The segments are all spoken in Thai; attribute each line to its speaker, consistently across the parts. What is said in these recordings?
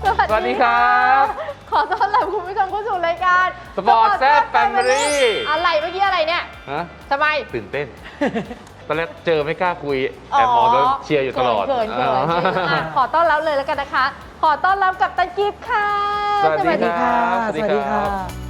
Speaker 1: สวัสดีครับ
Speaker 2: ขอต้อนรับคุณผู้ชมเข้าสู่รายการ
Speaker 1: สปอร์ตแซ่บแฟมิลี่
Speaker 2: อะไรเมื่อกี้อะไรเนี่ย
Speaker 1: ฮะ
Speaker 2: ทำไม
Speaker 1: ตื่นเต้น ตอนแรกเจอไม่กล้าคุยแอบมองแล้วเชียร์อยู่ตลอด
Speaker 2: เขินขอต้อนรับเลยแล้วกันนะคะ ขอต้อนรับกับตันกิฟต์ค่ะ
Speaker 1: สวัสดีค่ะ
Speaker 3: สวัสดีค่ะ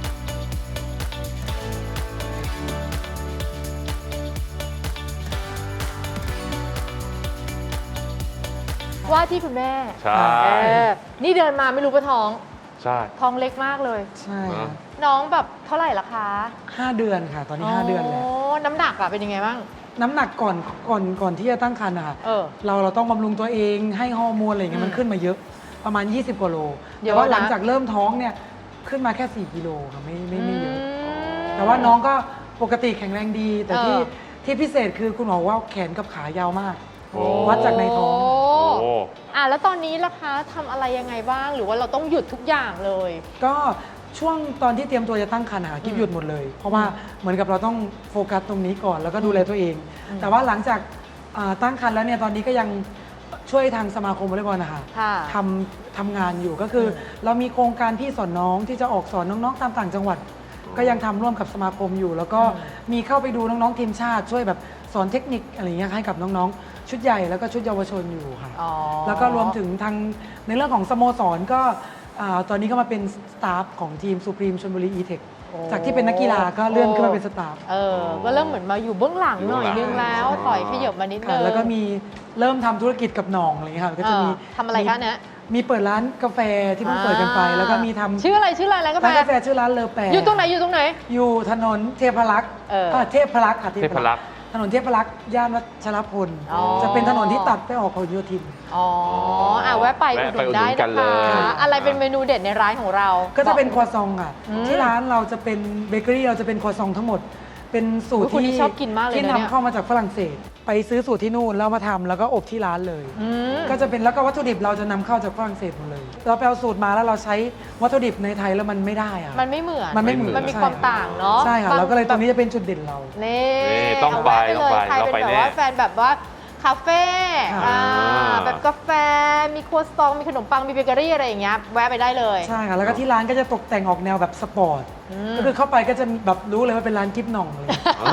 Speaker 2: ว่าที่คุณแม่
Speaker 1: ใช่
Speaker 2: นี่เดินมาไม่รู้ว่าท้อง
Speaker 1: ใช่
Speaker 2: ท้องเล็กมากเลย
Speaker 3: ใช่ค่ะ
Speaker 2: น้องแบบเท่าไหร่ละคะ
Speaker 3: 5 เดือนค่ะ ตอนนี้ 5 เดือนแล้ว
Speaker 2: น้ำหนักอะเป็นยังไงบ้าง
Speaker 3: น้ำหนักก่อนที่จะตั้งครรภ์อะค่ะ
Speaker 2: เออ
Speaker 3: เราต้องบำรุงตัวเองให้ฮอร์โมนอะไรอย่างเงี้ย
Speaker 2: อืม
Speaker 3: มันขึ้นมาเยอะประมาณ 20 กว่าโล
Speaker 2: เยอะ
Speaker 3: แต่ว่า
Speaker 2: นะ
Speaker 3: หลังจากเริ่มท้องเนี่ยขึ้นมาแค่ 4 กิโลค่ะไม่เยอะ
Speaker 2: ม
Speaker 3: แต่ว่าน้องก็ปกติแข็งแรงดี แต่
Speaker 2: เออ
Speaker 3: ที่พิเศษคือคุณหมอว่าแขนกับขายาวมาก
Speaker 1: โอ้
Speaker 3: วัดจากในท้อง
Speaker 1: โอ้
Speaker 2: แล้วตอนนี้ล่ะคะทำอะไรยังไงบ้างหรือว่าเราต้องหยุดทุกอย่างเลย
Speaker 3: ก็ช่วงตอนที่เตรียมตัวจะตั้งครรภ์อะกิ๊บหยุดหมดเลย เพราะว่าเหมือนกับเราต้องโฟกัสตรงนี้ก่อนแล้วก็ดูแลตัวเอง แต่ว่าหลังจากตั้งครรภ์แล้วเนี่ยตอนนี้ก็ยังช่วยทางสมาคมวอลเลย์บอลนะคะ
Speaker 2: ค่ะ
Speaker 3: ทำงานอยู่ก็คือเรามีโครงการพี่สอนน้องที่จะออกสอนน้องๆตามต่างจังหวัด ก็ยังทำร่วมกับสมาคมอยู่ แล้วก็มีเข้าไปดูน้องๆทีมชาติช่วยแบบสอนเทคนิคอะไรอย่างเงี้ยให้กับน้องๆชุดใหญ่แล้วก็ชุดเยาวชนอยู่ค่ะ
Speaker 2: อ๋อ
Speaker 3: แล้วก็รวมถึงทางในเรื่องของสโมสรก็ตอนนี้ก็มาเป็นสตาฟของทีมสุพรีมชลบุรีอีเทค
Speaker 2: โอ้
Speaker 3: จากที่เป็นนักกีฬาก็เลื่อนขึ้นมาเป็นสตาฟ
Speaker 2: ก็เริ่มเหมือนมาอยู่เบื้องหลังหน่อยนึงแล้วต่อยขยับมานิดนึ
Speaker 3: ค่ะ
Speaker 2: ง
Speaker 3: แล้วก็มีเริ่มทำธุรกิจกับหน่องอะไรอย่างเงี้ยค่ะก็จะมี
Speaker 2: ทำอะไรคะเนี่ย
Speaker 3: มีเปิดร้านกาแฟที่เพิ่งเปิดกันไป แล้วก็มีทำ
Speaker 2: ชื่ออะไรร้านกาแฟ
Speaker 3: ร้านกาแฟชื่อร้านเลอแป
Speaker 2: อยู่ตรงไหนอยู่ตรงไหน
Speaker 3: อยู่ถนนเทพรักษ์ เทพรักษ์ค่ะ
Speaker 1: เทพรักษ์
Speaker 3: ถนนเทพรักษ์ย่านวัชรพล
Speaker 2: อ๋อ
Speaker 3: จะเป็นถนนที่ตัดไปออกพหลโยธิน
Speaker 2: แวะไปอุดหนุนได้
Speaker 1: แวะไปอุดหนุนกั
Speaker 2: นะ
Speaker 1: นเลย
Speaker 2: คะอะไรเป็นเมนูเด็ดในร้านของเรา
Speaker 3: ก็จะเป็นครัวซองอ่ะ
Speaker 2: อืม
Speaker 3: ที่ร้านเราจะเป็นเบเกอรี่เราจะเป็นครัวซองทั้งหมด เป็นสูตร
Speaker 2: อุ๊ยคนนี้
Speaker 3: ที่
Speaker 2: ชอบกินมากเลยนะ
Speaker 3: ที่
Speaker 2: เนี่ย
Speaker 3: นำเข้ามาจากฝรั่งเศส ไปซื้อสูตรที่นู่นแล้วมาทำแล้วก็อบที่ร้านเลย
Speaker 2: อืม
Speaker 3: ก็จะเป็นแล้วก็วัตถุดิบเราจะนำเข้าจากฝรั่งเศสหมดเลย เราไปเอาสูตรมาแล้วเราใช้วัตถุดิบในไทยแล้วมันไม่ได้อะ
Speaker 2: มันไม่เหมือน
Speaker 3: มันไม่เหมือน
Speaker 2: มันมีความต่างเนาะ
Speaker 3: ใช่ค่ะ
Speaker 2: บ
Speaker 3: เราก็เลยตรงนี้จะเป็นจุดเด่นเรา
Speaker 2: นี่
Speaker 1: นี่ต้องไป
Speaker 2: เอาแวะเลยใคร
Speaker 1: เรา
Speaker 2: เป็น
Speaker 1: ไป
Speaker 2: แบบ
Speaker 1: แน่
Speaker 2: ว่าแฟนแบบว่าคาเฟ่
Speaker 3: อ่า
Speaker 2: แบบกาแฟมีครัวซองมีขนมปังมีเบเกอรี่อะไรอย่างเงี้ยแวะไปได้เลย
Speaker 3: ใช่ค่ะแล้วก็ที่ร้านก็จะตกแต่งออกแนวแบบสปอร์ต
Speaker 2: อืม
Speaker 3: ก็คือเข้าไปก็จะแบบรู้เลยว่าเป็นร้านกิ๊บหน่องเลย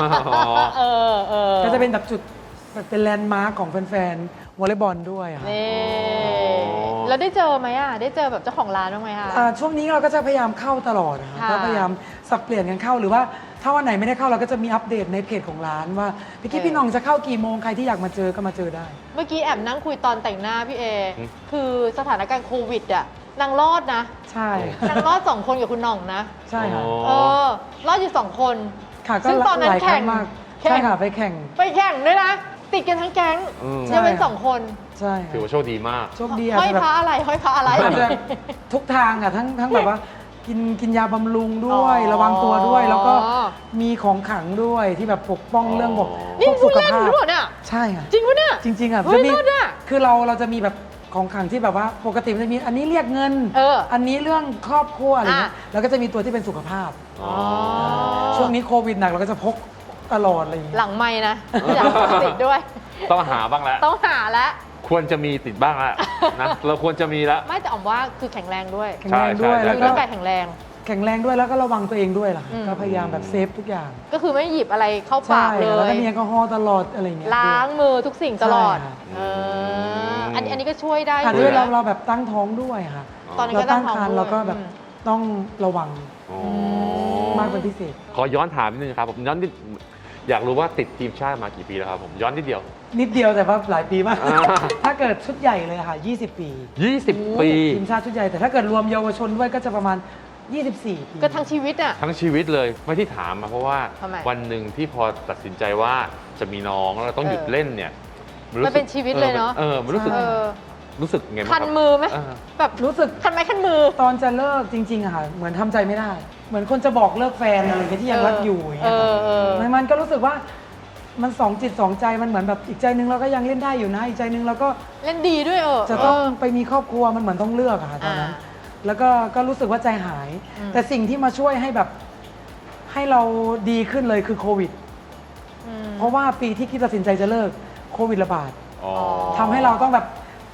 Speaker 3: ก็จะเป็นแบบจุดแบบเป็นแลนด์มาร์คของแฟนๆวอลเลย์บอลด้วยค่ะ
Speaker 2: นี่แล้วได้เจอไหมได้เจอแบบเจ้าของร้านบ้างไหมคะ
Speaker 3: ช่วงนี้เราก็จะพยายามเข้าตลอดนะคะ
Speaker 2: ค่ะ
Speaker 3: ก็พยายามสับเปลี่ยนกันเข้าหรือว่าถ้าวันไหนไม่ได้เข้าเราก็จะมีอัปเดตในเพจของร้านว่าพี่กิ๊บพี่หน้องจะเข้ากี่โมงใครที่อยากมาเจอก็มาเจอได้
Speaker 2: เมื่อกี้แอบนั่งคุยตอนแต่งหน้าพี่เอ
Speaker 1: อืม
Speaker 2: คือสถานการณ์โควิดนางรอดนะ
Speaker 3: ใช่
Speaker 2: นางรอด 2 คนกับคุณหน่องนะ
Speaker 3: ใช่ค่ะ
Speaker 2: เออรอดอยู่ 2 คน
Speaker 3: ค่ะก็
Speaker 2: ซึ่งตอนนั้น
Speaker 3: หลายครั้
Speaker 2: แข่ง
Speaker 3: งมาก
Speaker 2: แข่ง
Speaker 3: ใช่ค่ะไปแข่ง
Speaker 2: ไปแข่งด้วยนะ ติดกันทั้งแก๊ง
Speaker 1: อืม
Speaker 2: จะเป็น
Speaker 3: ใช่
Speaker 2: 2 คน
Speaker 3: ใช่
Speaker 1: ถือว่าโชคดีมาก
Speaker 3: โชคดีอาจ
Speaker 2: ห้อย
Speaker 3: จะแบ
Speaker 2: พระ
Speaker 3: บ
Speaker 2: อะไรห้อยพระอะไร
Speaker 3: อาจจะทุกทางค่ะทั้งแบบว่ากินยาบำรุงด้วย
Speaker 2: อ๋อ
Speaker 3: ระวังตัวด้วย แล้วก็มีของขลังด้วยที่แบบปกป้องเรื่องบอก
Speaker 2: นี่
Speaker 3: พวก
Speaker 2: พู
Speaker 3: สุ
Speaker 2: ด
Speaker 3: ข
Speaker 2: เล่น
Speaker 3: ภา
Speaker 2: ห
Speaker 3: พ
Speaker 2: รือเปล่าเนี่ย
Speaker 3: ใช่ค่ะ
Speaker 2: จริงปะเนี่ย
Speaker 3: จริงๆอ่ะ
Speaker 2: เฮ้ย
Speaker 3: จะมี
Speaker 2: เลิศอะ
Speaker 3: คือเราจะมีแบบของขลังที่แบบว่าปกติมันจะมีอันนี้เรียกเงิน อันนี้เรื่องครอบครัวอะไรเงี้ยแล้วก็จะมีตัวที่เป็นสุขภาพ
Speaker 1: อ๋อ
Speaker 3: ช่วงนี้โควิดหนักเราก็จะพกตลอดอะไรอย่างเงี้ย
Speaker 2: หลังไม่นะอยากติดด้วย
Speaker 1: ต้องหาบ้างแล้ว
Speaker 2: ต้องหาแล้ว
Speaker 1: ควรจะมีติดบ้างแล้วนะ เราควรจะมีแล้ว
Speaker 2: ไม่แต่อ๋อมว่าคือแข็งแรงด้วย
Speaker 3: แข็งแรงด้วย
Speaker 1: ใช่
Speaker 3: แล้ว
Speaker 2: คือ
Speaker 3: ก็
Speaker 2: ร่างกายแข็งแรง
Speaker 3: แข็งแรงด้วยแล้วก็ระวังตัวเองด้วยล่ะ
Speaker 2: อืม
Speaker 3: ก็พยายามแบบเซฟทุกอย่าง
Speaker 2: ก็คือไม่หยิบอะไรเข้าปากเล
Speaker 3: แล้ว
Speaker 2: ย
Speaker 3: ก็มีแอลกอฮอล์ตลอดอะไรอย่างเงี้ย
Speaker 2: ล้างมือทุกสิ่งตลอด
Speaker 3: ใช่ค่ะ
Speaker 2: เอออันนี้ก็ช่วยได้
Speaker 3: ค่ะ
Speaker 2: อ
Speaker 3: ด้วย
Speaker 2: นะ
Speaker 3: เราแบบตั้งท้องด้วยค่ะ
Speaker 2: ตอนนี้
Speaker 3: เรา
Speaker 2: ก็ตั้
Speaker 3: ตั้
Speaker 2: ง
Speaker 3: ง
Speaker 2: ท้อง
Speaker 3: ครรภ์
Speaker 2: ด้วย
Speaker 3: เราก็แบบ
Speaker 2: อืม
Speaker 3: ต้องระวัง
Speaker 1: อ๋อ
Speaker 3: มากเป็นพิเศษ
Speaker 1: ขอย้อนถามนิดนึงครับผมย้อนนิดอยากรู้ว่าติดทีมชาติมากี่ปีแล้วครับผมย้อนนิดเดียว
Speaker 3: นิดเดียวแต่ว่าหลายปีมาก
Speaker 1: อ่า
Speaker 3: ถ้าเกิดชุดใหญ่เลยค่ะ 20 ปี
Speaker 1: 20 ปี
Speaker 3: ทีมชาติชุดใหญ่แต่ถ้าเกิดรวมเยาวชนด้วยก็จะประมาณ 24 ปี
Speaker 2: ก็ทั้งชีวิตอ่ะ
Speaker 1: ทั้งชีวิตเลยไม่ที่ถามมาเพราะว่า
Speaker 2: ทำไม
Speaker 1: วันหนึ่งที่พอตัดสินใจว่าจะมีน้องแล้วต้องหยุดเล่นเนี่ย
Speaker 2: มันเป็นชีวิตเลยเนอะ
Speaker 1: มันรู้สึก
Speaker 2: เออ
Speaker 1: รู้สึกไงบ้างค
Speaker 2: คั
Speaker 1: รับ
Speaker 2: นมือไหม
Speaker 1: เออ
Speaker 2: แบบ
Speaker 3: รู้สึก
Speaker 2: คันไม้คันมือ
Speaker 3: ตอนจะเลิกจริงๆอะค่ะเหมือนทำใจไม่ได้ เหมือนคนจะบอกเลิกแฟนอะไรอย่างเงี้ยที่ยังรักอยู่อย่างเงี้ย
Speaker 2: เออ
Speaker 3: มันก็รู้สึกว่ามันสองจิตสองใจมันเหมือนแบบอีกใจนึงเราก็ยังเล่นได้อยู่นะอีกใจนึงเราก็
Speaker 2: เล่นดีด้วย
Speaker 3: จะต้องไปมีครอบครัวมันเหมือนต้องเลือกอะค่ะตอนนั้น แล้วก็รู้สึกว่าใจหาย
Speaker 2: อืม
Speaker 3: แต่สิ่งที่มาช่วยให้แบบให้เราดีขึ้นเลยคือโควิด
Speaker 2: อืม
Speaker 3: เพราะว่าปีที่คิดตัดสินใจจะเลิกโควิดระบาด
Speaker 1: อ๋อ
Speaker 3: ทำให้เราต้องแบบ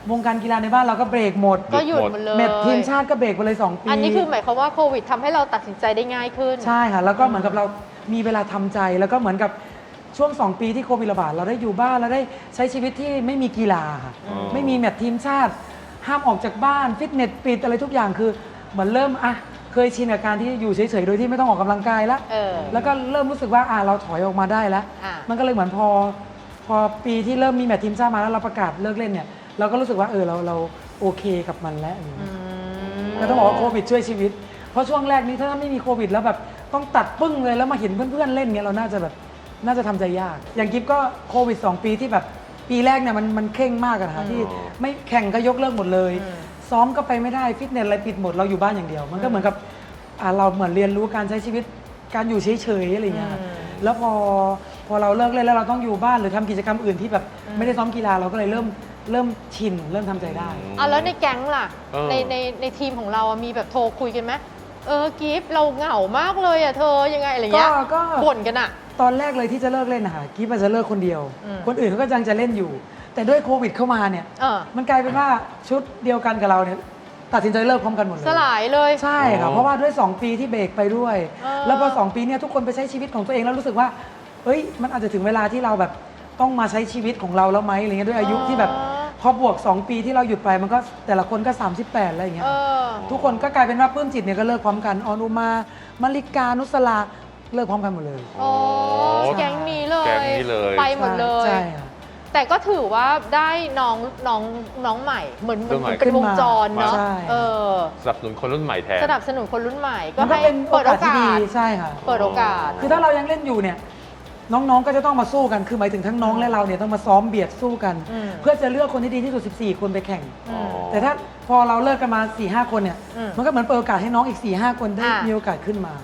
Speaker 3: วงการกีฬาในบ้านเราก็เบรกหมด
Speaker 2: ก็หยุดหมดเลย
Speaker 3: แมตช์ทีมชาติก็เบรกไปเลย2 ปี
Speaker 2: อันนี้คือหมายความว่าโควิดทำให้เราตัดสินใจได้ง่ายขึ้น
Speaker 3: ใช่ค่ะแล้วก็เหมือนกับเรามีเวลาทำใจแล้วก็เหมือนกับช่วง2 ปีที่โควิดระบาดเราได้อยู่บ้านเราได้ใช้ชีวิตที่ไม่มีกีฬาค่ะ
Speaker 1: อ๋อ
Speaker 3: ไม่มีแมตช์ทีมชาติห้ามออกจากบ้านฟิตเนสปิดอะไรทุกอย่างคือเหมือนเริ่มเคยชินกับการที่อยู่เฉยๆโดยที่ไม่ต้องออกกำลังกายแล้ว แล้วก็เริ่มรู้สึกว่าเราถอยออกมาได้แล้ว มันก็เลยเหมือนพอปีที่เริ่มมีแมตช์ทีมชาติมาแล้วเราประกาศเลิกเล่นเนี่ยเราก็รู้สึกว่าเราโอเคกับมันแล้วอย่างเงี้ยก็ต้องบอกว่าโควิดช่วยชีวิต เพราะช่วงแรกนี้ถ้าไม่มีโควิดแล้วแบบต้องตัดปึ้งเลยแล้วมาเห็นเพื่อนๆเล่นเงี้ยเราน่าจะทำใจยาก อย่างกิฟก็โควิด2 ปีที่แบบปีแรกเนี่ยมันเคร่งมากอะนะคะที่ไม่แข่งก็ยกเลิกหมดเลย ซ้อมก็ไปไม่ได้ฟิตเนสอะไรปิดหมดเราอยู่บ้านอย่างเดียว มันก็เหมือนกับเราเหมือนเรียนรู้การใช้ชีวิตการอยู่เฉยๆอะไรอย่างเงี้ยค่ะแล้วพอเราเลิกเล่นแล้วเราต้องอยู่บ้านหรือทำกิจกรรมอื่นที่แบบไม่ได้ซ้อมกีฬาเราก็เลยเริ่มชินเริ่มทำใจได้
Speaker 2: แล้วในแก๊งล่ะ
Speaker 1: เออ
Speaker 2: ในทีมของเรามีแบบโทรคุยกันไหมกิฟต์เราเหงามากเลยเธอยังไงอะไรเงี้ย
Speaker 3: ก็
Speaker 2: บ่นกันอะ
Speaker 3: ตอนแรกเลยที่จะเลิกเล่นนะคะกิฟจะเลิกคนเดียว คนอื่นเขาก็ยังจะเล่นอยู่ แต่ด้วยโควิดเข้ามาเนี่ยมันกลายเป็นว่าชุดเดียวกันกับเราเนี่ยตัดสินใจเลิกพร้อมกันหมดเลย
Speaker 2: สลายเลย
Speaker 3: ใช่ค่ะเพราะว่าด้วย2 ปีที่เบรกไปด้วย แล้วพอ2 ปีเนี่ยทุกคนไปใช้ชีวิตของตัวเองแล้วรู้สึกว่าเอ้ยมันอาจจะถึงเวลาที่เราแบบต้องมาใช้ชีวิตของเราแล้วไหมอะไรเงี้ยด้วยอายุที่แบบพอบวก2 ปีที่เราหยุดไปมันก็แต่ละคนก็38อะไรอย่างเงี้ยทุกคนก็กลายเป็นว่าปลื้มจิตเนี่ยก็เลิกพร้อมกันออนุมามาริกานุสลาเลิกพร้อมกันหมดเลย
Speaker 2: แก๊งนี้เลย
Speaker 1: แก๊งนี้เลย
Speaker 2: ไปหมดเลย
Speaker 3: ใช่ค่ะ
Speaker 2: แต่ก็ถือว่าได้น้องใหม่เหมือน
Speaker 1: รุ่นใหม่
Speaker 2: เป็นวงจรเนาะ
Speaker 3: ใช่
Speaker 1: สนับสนุนคนรุ่นใหม่แทน
Speaker 2: สนับสนุนคนรุ่นใหม่ก็
Speaker 3: มันก็
Speaker 2: ให้
Speaker 3: เป็นโอ
Speaker 2: เปิดโอก
Speaker 3: าสที่
Speaker 2: กา
Speaker 3: ดี
Speaker 2: ส
Speaker 3: ใช่ค่ะ
Speaker 2: เปิดโอกาส
Speaker 3: คือถ้าเรายังเล่นอยู่เนี่ยน้องๆก็จะต้องมาสู้กันคือหมายถึงทั้งน้องและเราเนี่ยต้องมาซ้อมเบียดสู้กัน เพื่อจะเลือกคนที่ดีที่สุด14 คนไปแข่ง
Speaker 1: อ๋อ
Speaker 3: แต่ถ้าพอเราเลิกกันมา 4-5 คนเนี่ย
Speaker 2: อืม
Speaker 3: มันก็เหมือนเปิดโอกาสให้น้องอีก 4-5 คนได้
Speaker 2: อ่ะ
Speaker 3: มีโอกาสขึ้นมา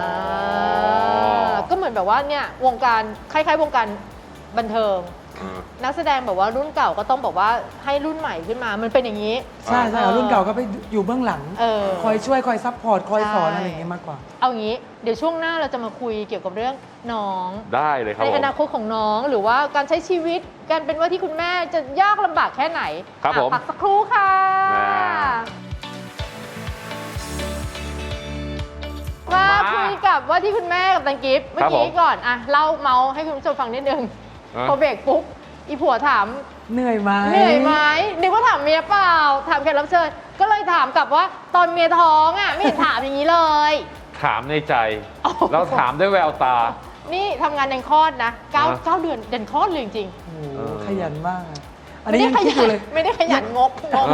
Speaker 2: ก็เหมือนแบบว่าเนี่ยวงการคล้ายๆวงการบันเทิง นักแสดงแบบว่ารุ่นเก่าก็ต้องบอกว่าให้รุ่นใหม่ขึ้นมา มันเป็นอย่างนี้
Speaker 3: ใช่ใช่รุ่นเก่าก็ไปอยู่เบื้องหลัง คอยช่วยคอยซัพพอร์ตคอยสอน
Speaker 2: ใช่
Speaker 3: อะไรอย่างเงี้ยมากกว่า
Speaker 2: เอางี้เดี๋ยวช่วงหน้าเราจะมาคุยเกี่ยวกับเรื่องน้อง
Speaker 1: ได้เลยครับ
Speaker 2: ใน
Speaker 1: ผม
Speaker 2: อนาคตของน้องหรือว่าการใช้ชีวิตการเป็นว่าที่คุณแม่จะยากลำบากแค่ไหน
Speaker 1: ครับผม
Speaker 2: พักสักครู่ค่ะ มาคุยกับว่าที่คุณแม่กับตังกิฟต์เมื่อกี้ก่อนเล่าเมาส์ให้คุณผู้ชมฟังนิดนึงพอเบรกปุ๊บอีผัวถาม
Speaker 3: เหนื่อยไหม
Speaker 2: เหนื่อยไหมนึกว่าถามเมียเปล่าถามแขกรับเชิญก็เลยถามกลับว่าตอนเมียท้องไม่เห็นถามอย่างนี้เลย
Speaker 1: ถามในใจ เราถามด้วยแววตา
Speaker 2: นี่ทำงานเดือนคลอดนะ9 เดือนเดือนคลอดเลยจริง
Speaker 3: โอ้โหขยันมากอะอัน
Speaker 2: ไม่
Speaker 3: นี้
Speaker 2: ได้
Speaker 3: ยัง
Speaker 2: ข
Speaker 3: คิดอ
Speaker 2: ยั
Speaker 3: ยู่
Speaker 2: น
Speaker 3: เลย
Speaker 2: ไม่ได้ขยันงก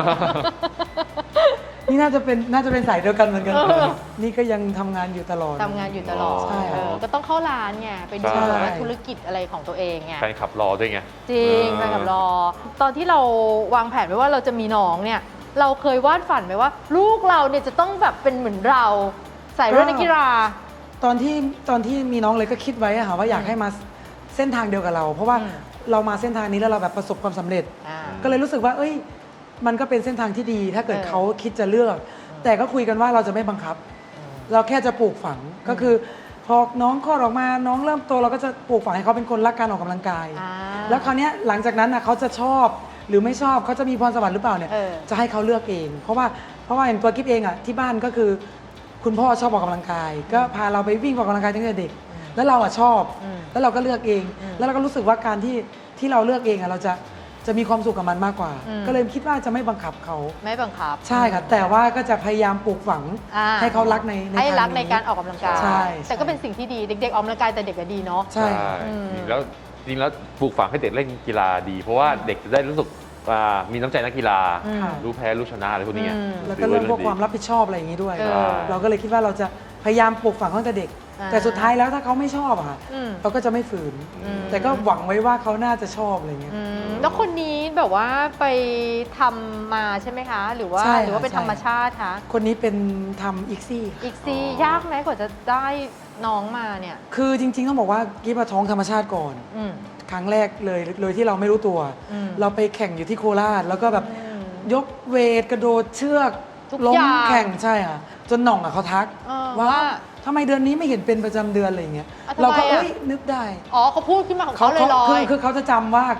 Speaker 3: นี่น่าจะเป็นสายเดียวกันเหมือนกัน นี่ก็ยังทำงานอยู่ตลอด
Speaker 2: ทำงานอยู่ตลอด
Speaker 3: ใช่ครับ
Speaker 2: ก็ต้องเข้าร้านไงเป็น
Speaker 1: ใช่
Speaker 2: ธุรกิจอะไรของตัวเองไง
Speaker 1: แฟนขับรอด้วยไง
Speaker 2: จริงแฟนกับรอ ตอนที่เราวางแผนไว้ว่าเราจะมีน้องเนี่ยเราเคยวาดฝันไหมว่า ลูกเราเนี่ยจะต้องแบบเป็นเหมือนเราใส่เรื่องนักกีฬา
Speaker 3: ตอนที่มีน้องเลยก็คิดไว้อะค่ะว่าอยากให้มาเส้นทางเดียวกับเรา เพราะว่าเรามาเส้นทางนี้แล้วเราแบบประสบความสำเร็จ ก็เลยรู้สึกว่า เอ้ย มันก็เป็นเส้นทางที่ดี ถ้าเกิดเขาคิดจะเลือก แต่ก็คุยกันว่าเราจะไม่บังคับ เราแค่จะปลูกฝังก็คือ พอน้องคลอดออกมาน้องเริ่มโตเราก็จะปลูกฝังให้เขาเป็นคนรักการออกกำลังกาย แล้วคราวเนี้ยหลังจากนั้นเขาจะชอบหรือไม่ชอบเขาจะมีพรสวรรค์หรือเปล่าเนี่ยจะให้เขาเลือกเอง เพราะว่าอย่างตัวกิ๊บเองอะที่บ้านก็คือคุณพ่อชอบออกกำลังกาย ก็พาเราไปวิ่งออกกำลังกายตั้งแต่เด็ก แล้วเราอะชอบ แล้วเราก็เลือกเอง แล้วเราก็รู้สึกว่าการที่เราเลือกเองอะเราจะมีความสุขกับมันมากกว่า ก็เลยคิดว่าจะไม่บังคับเขา
Speaker 2: ไม่บังคับ
Speaker 3: ใช่ค่ะแต่ว่าก็จะพยายามปลูกฝังให้เขารักใน
Speaker 2: ให้รัก
Speaker 3: ทาง
Speaker 2: ในการออกกำลังกาย
Speaker 3: ใช่
Speaker 2: แต่ก็เป็นสิ่งที่ดีเด็กๆออกกำลังกายแต่เด็กก็ดีเนาะ
Speaker 3: ใช่
Speaker 1: แล้วจริงแล้วปลูกฝังให้เด็กเล่นกีฬาดี เพราะว่าเด็กจะได้รู้สึกมีน้ำใจนักกีฬา รู้แพ้รู้ชนะอะไรพวกนี้ไง
Speaker 3: แล้วก็เรื่องพวกความรับผิดชอบอะไรอย่างนี้ด้วย เราก็เลยคิดว่าเราจะพยายามปลูกฝังเขาตั้งแต่เด็ก แต่สุดท้ายแล้วถ้าเขาไม่ชอบอะค่ะเราก็จะไม่ฝืน แต่ก็หวังไว้ว่าเขาน่าจะชอบอะไรอย่างเงี้ย
Speaker 2: แล้วคนนี้แบบว่าไปทำมาใช่ไหมคะ หรือว่า
Speaker 3: ใช่ค่ะ
Speaker 2: หรือว่าเป็น
Speaker 3: ใช่
Speaker 2: ธรรมชาติคะ
Speaker 3: คนนี้เป็นทำอีกซี่ค่ะ
Speaker 2: อีกซียากไหมกว่าจะได้น้องมาเนี่ย
Speaker 3: คือจริงๆต้องบอกว่ากิ๊บอะท้องธรรมชาติก่อน
Speaker 2: อืม
Speaker 3: ครั้งแรกเลยโดยที่เราไม่รู้ตัว เราไปแข่งอยู่ที่โคราชแล้วก็แบบยกเวทกระโดดเชือก
Speaker 2: ทุก
Speaker 3: ล้
Speaker 2: อ
Speaker 3: ม
Speaker 2: ย่าง
Speaker 3: แข่งใช่ค่ะจนหน่องอะเขาทัก ว่า
Speaker 2: ว่า
Speaker 3: ทำไมเดือนนี้ไม่เห็นเป็นประจำเดือนอะไรอย่างเงี้ย
Speaker 2: อ่ะทำไม
Speaker 3: เราก็
Speaker 2: อะ
Speaker 3: เอ้ยนึกได้
Speaker 2: อ๋อเขาพูดขึ้นมาของเขาลอย
Speaker 3: คือเขาจะจำว่า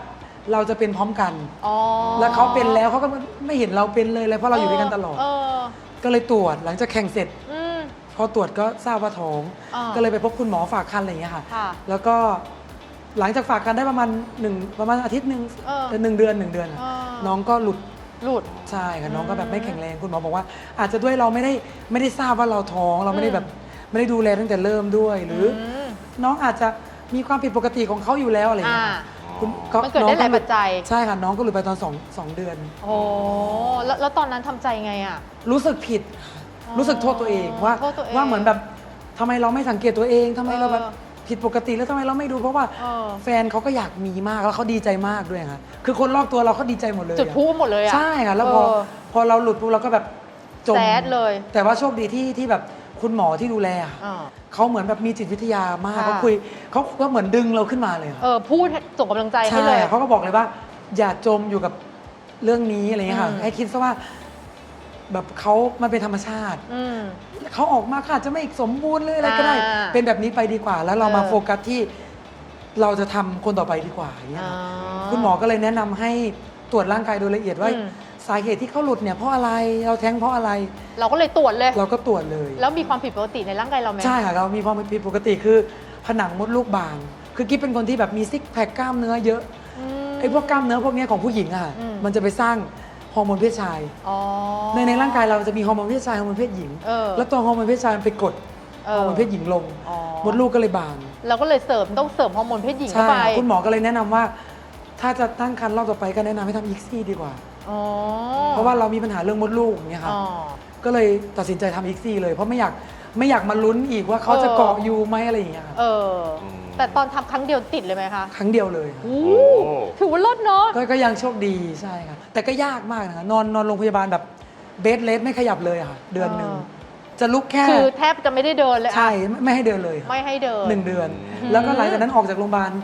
Speaker 3: เราจะเป็นพร้อมกัน
Speaker 2: อ๋อ
Speaker 3: แล้วเขาเป็นแล้วเขาก็ไม่เห็นเราเป็นเลยเพราะเราอยู่ด้วยกันตลอด
Speaker 2: เออ
Speaker 3: ก็เลยตรวจหลังจากแข่งเสร็จ
Speaker 2: อืม
Speaker 3: พอตรวจก็ทราบว่าท้อง
Speaker 2: อ่า
Speaker 3: ก็เลยไปพบคุณหมอฝากครรภ์อะไรอย่างเงี้ยค่ะ
Speaker 2: ค่ะ
Speaker 3: แล้วก็หลังจากฝากครรภ์ได้ประมาณอาทิตย์หนึ่ง
Speaker 2: เออ
Speaker 3: 1 เดือนอะ
Speaker 2: เออ
Speaker 3: น้องก็หลุด
Speaker 2: หลุด
Speaker 3: ใช่ค่ะน้องก็แบบไม่แข็งแรงคุณหมอบอกว่า อาจจะด้วยเราไม่ได้ทราบว่าเราท้องเราไม่ได้แบบไม่ได้ดูแลตั้งแต่เริ่มด้วย หรืออ
Speaker 2: ม
Speaker 3: น้องอาจจะมีความผิดปกติของเขาอยู่แล้วอะไรอย่างเงี้ย
Speaker 2: อ่า
Speaker 3: คุณ
Speaker 2: มันเกิดได้หลายปัจจัย
Speaker 3: ใช่ค่ะน้องก็หลุดไปตอนสองเดือน
Speaker 2: โอ้แล้วตอนนั้นทำใจไงอ่ะ
Speaker 3: รู้สึกผิด
Speaker 2: อ๋อ
Speaker 3: รู้สึกโทษตัวเองว่า
Speaker 2: โทษตัวเอง
Speaker 3: ว่าเหมือนแบบทำไมเราไม่สังเกตตัวเองทำไมเราแบบ
Speaker 2: เออ
Speaker 3: ผิดปกติแล้วทำไมเราไม่ดูเพราะว่า
Speaker 2: เออ
Speaker 3: แฟนเขาก็อยากมีมากแล้วเขาดีใจมากด้วยค่ะคือคนรอบตัวเราเขาดีใจหมดเลย
Speaker 2: จุดพลุหมดเลยอ่ะ
Speaker 3: ใช่ค่ะแล้วพอเราหลุดปุ๊บเราก็แบบจม
Speaker 2: แซดเลย
Speaker 3: แต่ว่าโชคดีที่แบบคุณหมอที่ดูแลอะ
Speaker 2: อ่า
Speaker 3: เขาเหมือนแบบมีจิตวิทยามาก
Speaker 2: ค่ะ
Speaker 3: เขาคุยเขาก็เหมือนดึงเราขึ้นมาเลยอะ
Speaker 2: พูดส่งกำลังใจให้
Speaker 3: ใช่
Speaker 2: เลย
Speaker 3: เขาก็บอกเลยว่า อย่าจมอยู่กับเรื่องนี้อะไรเงี้ยค่ะ
Speaker 2: อืม
Speaker 3: ให้คิดซะว่าแบบเขามันเป็นธรรมชาติ
Speaker 2: อืม
Speaker 3: เขาออกมาเขาอาจจะไม่สมบูรณ์เลยอะไรก็ได้
Speaker 2: อ่า
Speaker 3: เป็นแบบนี้ไปดีกว่า แล้วเรามา
Speaker 2: เออ
Speaker 3: โฟกัสที่เราจะทำคนต่อไปดีกว่าอย่างเงี้ย
Speaker 2: อ่า
Speaker 3: ค่ะคุณหมอก็เลยแนะนำให้ตรวจร่างกายโดยละเอียดว่า
Speaker 2: อืม
Speaker 3: สาเหตุที่เขาหลุดเนี่ยเพราะอะไรเราแท้งเพราะอะไร
Speaker 2: เราก็เลยตรวจเลย
Speaker 3: เราก็ตรวจเลย
Speaker 2: แล้วมีความผิดปกติในร่างกายเราไหม
Speaker 3: ใช่ค่ะเรามีความผิดปกติคือผนังมดลูกบาง คือกิ๊บเป็นคนที่แบบมีซิกแพคกล้ามเนื้อเยอะ
Speaker 2: อืม
Speaker 3: ไอ้พวกกล้ามเนื้อพวกเนี้ยของผู้หญิงอะค่ะ
Speaker 2: อืม
Speaker 3: มันจะไปสร้างฮอร์โมนเพศชาย
Speaker 2: อ๋อ
Speaker 3: ในร่างกายเราจะมีฮอร์โมนเพศชายฮอร์โมนเพศหญิง
Speaker 2: เออ
Speaker 3: แล้วตัวฮอร์โมนเพศชายมันไปกด
Speaker 2: เอ
Speaker 3: ฮอ
Speaker 2: อ
Speaker 3: ร์โมนเพศหญิงลง
Speaker 2: อ๋อ
Speaker 3: มดลูกก็เลยบาง
Speaker 2: เราก็เลยต้องเสริมฮอร์โมนเพศหญิงเข้า
Speaker 3: ใช่
Speaker 2: ไป
Speaker 3: คุณหมอก็เลยแนะนำว่า ถ้าจะตั้งครรภ์รอบต่อไปก็แนะนำให้ทำอีกซี่ดีกว่า
Speaker 2: อ๋อ
Speaker 3: เพราะว่าเรามีปัญหาเรื่องมดลูกอย่างเงี้ยค่ะ
Speaker 2: อ๋อ
Speaker 3: ก็เลยตัดสินใจทำอีกซี่เลยเพราะไม่อยากมาลุ้นอีกว่าเขาจะ
Speaker 2: เออ
Speaker 3: เกาะอยู่ไหมอะไรอย่างเงี้ยค่ะ
Speaker 2: เออ แต่ตอนทำครั้งเดียวติดเลยไหมคะ
Speaker 3: ครั้งเดียวเลย
Speaker 2: โอ้ถือว่าลดเนาะ
Speaker 3: ก็ยังโชคดีใช่ค่ะแต่ก็ยากมากนะคะนอนโรงพยาบาลแบบเบดเลสไม่ขยับเลยอะค่ะเดือนหนึ่ง
Speaker 2: เออ
Speaker 3: จะลุกแค่
Speaker 2: คือแทบจะไม่ได้เดินเลยอะ
Speaker 3: ใช่ไม่ให้เดินเลยค่ะ
Speaker 2: ไม่ให้เดิน
Speaker 3: 1 เดือน แล้วก็หลังจากนั้นออกจากโรงพยาบาล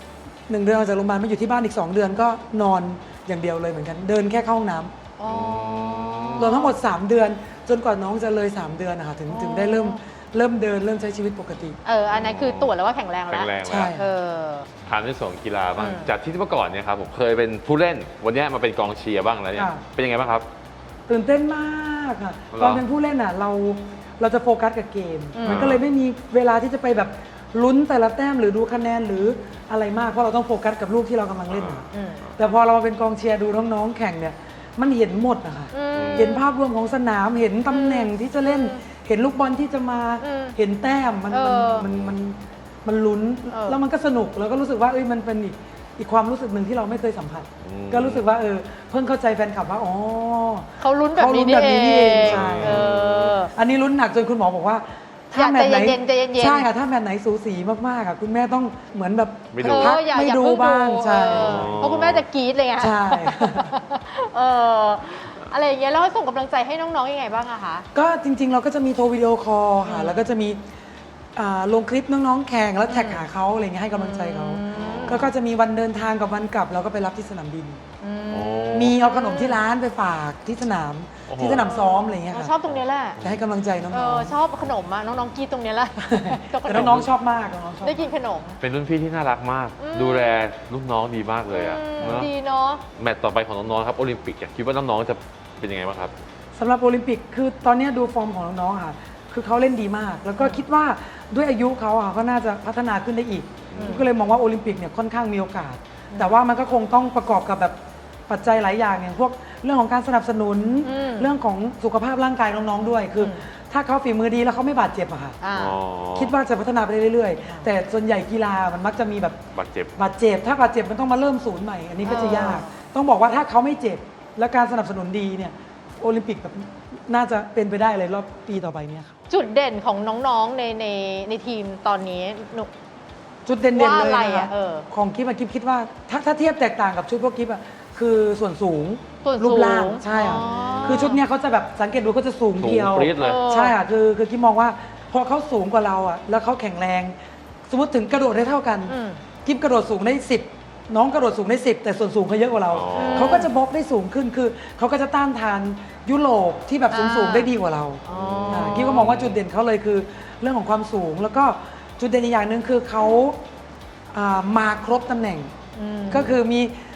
Speaker 3: 1 เดือนออกจากโรงพยาบาลมาอยู่ที่บ้านอีก 2 เดือนก็นอนอย่างเดียวเลยเหมือนกัน เดินแค่เข้าห้องน้ำ
Speaker 2: อ๋อ
Speaker 3: รวมทั้งหมด 3 เดือน จนกว่าน้องจะเลย 3 เดือนนะคะถึงได้เริ่มเดินเริ่มใช้ชีวิตปกติ
Speaker 2: อันนั้นคือตรวจแล้วว่าแข็งแรง
Speaker 1: แข็
Speaker 2: แล้ว
Speaker 1: งแรง
Speaker 3: ใช่
Speaker 1: แล้ว
Speaker 2: เออ
Speaker 1: ถามในส่วนของกีฬาบ้าง
Speaker 2: อืม
Speaker 1: จากที่เมื่อก่อนเนี่ยครับผมเคยเป็นผู้เล่น วันเนี้ยมาเป็นกองเชียร์บ้างแล้วเนี่ย
Speaker 3: ค่ะ
Speaker 1: เป็นยังไงบ้างครับ
Speaker 3: ตื่นเต้นมากค่ะ
Speaker 1: เหรอ
Speaker 3: ตอนเป็นผู้เล่นอ่ะเราจะโฟกัสกับเกม
Speaker 2: อืม
Speaker 3: มันก็เลยไม่มีเวลาที่จะไปแบบลุ้นแต่ละแต้มหรือดูคะแนนหรืออะไรมากเพราะเราต้องโฟกัสกับลูกที่เรากำลังเล่นอะ
Speaker 2: อืม
Speaker 3: แต่พอเรามาเป็นกองเชียร์ดูน้องๆแข่งเนี่ยมันเห็นหมดนะคะ
Speaker 2: อืม
Speaker 3: เห็นภาพรวมของสนามเห็นตำแหน่งที่จะเล่น เห็นลูกบอลที่จะมา
Speaker 2: อืม
Speaker 3: เห็นแต้มมัน
Speaker 2: เออ
Speaker 3: มันลุ้น
Speaker 2: เออ
Speaker 3: แล้วมันก็สนุกแล้วก็รู้สึกว่ามันเป็นอีกความรู้สึกหนึ่งที่เราไม่เคยสัมผัส
Speaker 1: อืม
Speaker 3: ก็รู้สึกว่าเพิ่งเข้าใจแฟนคลับว่าอ๋อ
Speaker 2: เขาลุ้นแบบนี้
Speaker 3: เขาลุ้นแบบนี้นี่เองใช่
Speaker 2: เออ
Speaker 3: อันนี้ลุ้นหนักจนคุณหมอบอกว่า
Speaker 2: อยาก
Speaker 3: แมตช์ไหน
Speaker 2: ใจเย็นๆใจเย็นๆ
Speaker 3: ใช่ค่ะถ้าแมตช์ไหนสูสีมากๆอ่ะคุณแม่ต้องเหมือนแบบ
Speaker 1: ไม่ดู
Speaker 3: พัก
Speaker 2: อย่า
Speaker 3: ไม่
Speaker 2: อย่า
Speaker 3: ดู
Speaker 2: เพิ่ง
Speaker 3: บ้างใช่
Speaker 2: เพราะคุณแม่จะกรี๊ดเลยไง
Speaker 3: ใช่
Speaker 2: เอออะไรอย่างเงี้ยแล้วส่งกำลังใจให้น้องๆยังไงบ้างอะคะ
Speaker 3: ก็จริงๆ เราก็จะมีโทรวิดีโอคอลค่ะ แล้วก็จะมีลงคลิปน้องๆ แข่งแล้วแท็กหาเขาอะไรเงี้ยให้กำลังใจเขา ก็จะมีวันเดินทางกับวันกลับเราก็ไปรับที่สนามบิน
Speaker 2: อืม
Speaker 1: โอ้
Speaker 3: มีเอาขนมที่ร้านไปฝากที่สนาม
Speaker 1: โอ้โห
Speaker 3: ที่สนามซ้อมอะไรเงี้ย
Speaker 2: เรา
Speaker 3: ค่ะ
Speaker 2: ชอบตรงเนี้ยแหละ
Speaker 3: จะให้กำลังใจน้อง
Speaker 2: ชอบขนมอะน้องๆกรี๊ดตรงเนี้ยแหละ
Speaker 3: ๆแต่น้องๆชอบมากน้องๆชอบ
Speaker 2: ได้กินขนม
Speaker 1: เป็นรุ่นพี่ที่น่ารักมาก
Speaker 2: อืม
Speaker 1: ดูแลลูกน้องดีมากเลยอะเนอะ
Speaker 2: ดีเนาะ
Speaker 1: แมตต์ต่อไปของน้องๆครับโอลิมปิกอะคิดว่าน้องๆจะเป็นยังไงบ้างครับ
Speaker 3: สำหรับโอลิมปิกคือตอนเนี้ยดูฟอร์มของน้องๆค่ะคือเขาเล่นดีมาก แล้วก็คิดว่าด้วยอายุเขาอ่ะก็น่าจะพัฒนาขึ้นได้อีกก็เลยมองว่าโอลิมปิกเนี่ยค่อนข้างมีโอกาส แต่ว่ามันก็คงต้องประกอบกับแบบปัจจัยหลายอย่างอย่างพวกเรื่องของการสนับสนุน เรื่องของสุขภาพร่างกายน้องๆด้วย คืออถ้าเขาฝีมือดีแล้วเขาไม่บาดเจ็บอะค่ะ
Speaker 2: อ่า
Speaker 1: อ๋อ
Speaker 3: คิดว่าจะพัฒนาไปได้เรื่อยๆ แต่ส่วนใหญ่กีฬามันมักจะมีแบบ
Speaker 1: บาดเจ็บ
Speaker 3: บาดเจ็บ ถ้าบาดเจ็บมันต้องมาเริ่มศูนย์ใหม่ อันนี้ก็จะยาก ต้องบอกว่าถ้าเขาไม่เจ็บและการสนับสนุนดีเนี่ยโอลิมปิกแบบน่าจะเป็นไปได้เลยรอบปีต่อไปเนี่ยค่ะ
Speaker 2: จุดเด่นของน้องๆในทีมตอนนี้หนู
Speaker 3: จุดเด่นๆ
Speaker 2: ว่า
Speaker 3: เลย
Speaker 2: อะไร
Speaker 3: นะ
Speaker 2: อะ
Speaker 3: คะ
Speaker 2: เออ
Speaker 3: ของกิฟต์อะกิฟต์คิดว่าถ้าเทียบแตกต่างกับชุดพวกกิฟต์อะคือส่วนสูง
Speaker 2: ส่วนสูง
Speaker 3: รูปร่างใช่ค่ะ
Speaker 2: อ๋อ
Speaker 3: คือชุดเนี้ยเขาจะแบบสังเกตดูเขาจะสูง
Speaker 1: สูง
Speaker 3: เพียว
Speaker 1: ปรี๊ดเลย
Speaker 3: ใช่ค่ะคือกิฟต์มองว่าพอเขาสูงกว่าเราอะแล้วเขาแข็งแรง สมมติถึงกระโดดได้เท่ากัน
Speaker 2: อืม
Speaker 3: กิฟต์กระโดดสูงได้ 10 น้องกระโดดสูงได้ 10 แต่ส่วนสูงเขาเยอะกว่าเรา
Speaker 1: อ๋อ
Speaker 3: เขาก็จะบล็อกได้สูงขึ้นคือเขาก็จะต้านทานยุโรปที่แบบสูงๆได้ดีกว่าเรา
Speaker 2: อ๋อ
Speaker 3: กิฟก็มองว่าจุดเด่นเขาเลยคือเรื่องของความสูง แล้วก็จุดเด่นอีกอย่างหนึ่งคือเขามาครบตำแหน่ง
Speaker 2: อืม
Speaker 3: ก็คือมี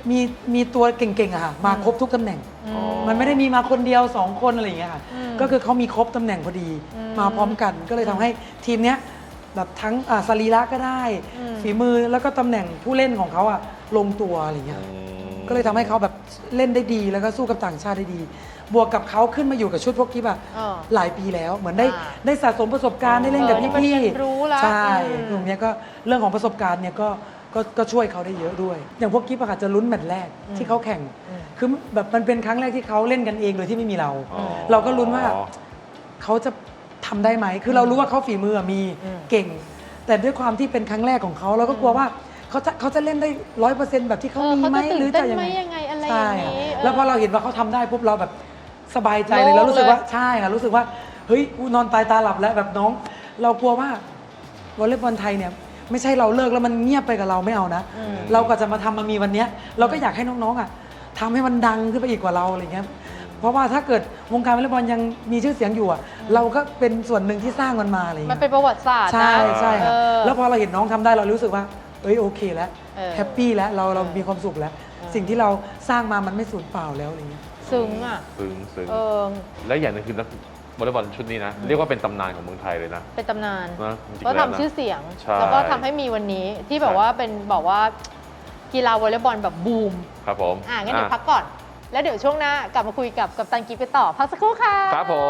Speaker 3: มีตัวเก่งๆอะค่ะมาครบทุกตำแหน่ง
Speaker 2: อืม
Speaker 3: มันไม่ได้มีมาคนเดียว 2 คนอะไรอย่างเงี้ยค่ะ
Speaker 2: อืม
Speaker 3: ก็คือเขามีครบตำแหน่งพอดี
Speaker 2: อืม
Speaker 3: มาพร้อมกันก็เลยทำให้ทีมเนี้ยแบบทั้งสรีระก็ได้
Speaker 2: อืม
Speaker 3: ฝีมือแล้วก็ตำแหน่งผู้เล่นของเขาอะลงตัวอะไรอย่างเงี้ย ก็เลยทำให้เขาแบบเล่นได้ดีแล้วก็สู้กับต่างชาติได้ดี บวกกับเขาขึ้นมาอยู่กับชุดพวกกิ๊บอะ
Speaker 2: เออ
Speaker 3: หลายปีแล้วเหมือนได้
Speaker 2: อ่า
Speaker 3: ได้สะสมประสบการณ์ได้เล่นกับ
Speaker 2: ได้มา
Speaker 3: พี่
Speaker 2: เรียนรู้ละ
Speaker 3: ใช่
Speaker 2: อืม
Speaker 3: ตรงเนี้ยก็เรื่องของประสบการณ์เนี่ยก็ช่วยเขาได้เยอะด้วย อย่างพวกกิ๊บอะค่ะจะลุ้นแมตช์แรกที่เขาแข่ง คือแบบมันเป็นครั้งแรกที่เขาเล่นกันเองโดยที่ไม่มีเรา
Speaker 1: อ๋อ
Speaker 3: เราก็ลุ้นว่าเขาจะทำได้ไหม คือเรารู้ว่าเขาฝีมืออะมี
Speaker 2: อืม
Speaker 3: เก่ง แต่ด้วยความที่เป็นครั้งแรกของเขาเราก็กลัวว่าเขาจะเล่นได้100%แบบที่เขามีไหม
Speaker 2: เขาจะตื่น
Speaker 3: หรือ
Speaker 2: เต้
Speaker 3: จะ
Speaker 2: น
Speaker 3: ยัง
Speaker 2: ไหม
Speaker 3: ไง
Speaker 2: ยังไงอะไร
Speaker 3: ใช่
Speaker 2: อย่างนี้
Speaker 3: แล้วพอเราเห็นว่าเขาทำได้ปุ๊บเราแบบสบายใจเลย
Speaker 2: โล่ง
Speaker 3: แล้วรู้สึกว่า
Speaker 2: เลย
Speaker 3: ใช่ค่ะรู้สึกว่าเฮ้ยกูนอนตายตาหลับแล้วแบบน้อง เรากลัวว่าวอลเลย์บอลไทยเนี่ยไม่ใช่เราเลิกแล้วมันเงียบไปกับเราไม่เอานะ
Speaker 2: อืม
Speaker 3: เราก็จะมาทำมามีวันเนี้ยเราก็อยากให้น้องๆอ่ะทำให้มันดังขึ้นไปอีกกว่าเราอะไรเงี้ยเพราะว่าถ้าเกิดวงการวอลเลย์บอลยังมีชื่อเสียงอยู่อ่ะเราก็เป็นส่วนหนึ่งที่สร้างมันมาอะไร
Speaker 2: มัน
Speaker 3: เงี้ย
Speaker 2: เป็นประวัติศาสตร์
Speaker 3: ใช่
Speaker 2: นะ
Speaker 3: ใช่ค่ะ
Speaker 2: เออ
Speaker 3: แล้วพอเราเห็นน้องทำได้เรารู้สึกว่าเอ้ยโอเคแล้ว
Speaker 2: เออ
Speaker 3: แฮปปี้แล้วเรามีความสุขแล้ว
Speaker 2: เออ
Speaker 3: สิ่งที่เราสร้างมามันไม่สูญเปล่าแล้วอะไรเงี้ย
Speaker 2: ซึ้งอ่ะ
Speaker 1: ซึ้ง
Speaker 2: เออ
Speaker 1: และอย่างหนึงคือนักวอลเลย์บอลชุดนี้นะ เรียกว่าเป็นตำนานของเมืองไทยเลยนะ
Speaker 2: เป็นตำนาน
Speaker 1: นะจริงๆ
Speaker 2: ก็
Speaker 1: แล้ว
Speaker 2: ทำ
Speaker 1: นะ
Speaker 2: ชื่อเสียง
Speaker 1: ใช่
Speaker 2: แล้วก็ทำให้มีวันนี้ที่แบบ
Speaker 1: ใช่
Speaker 2: ว่าเป็นบอกว่ากีฬาวอลเลย์บอลแบบบูม
Speaker 1: ครับผม
Speaker 2: งั้นเดี๋ยวพักก่อน แล้วเดี๋ยวช่วงหน้ากลับมาคุยกับกัปตันกิฟไปต่อ พักสักครู่ค่ะ
Speaker 1: ครับผม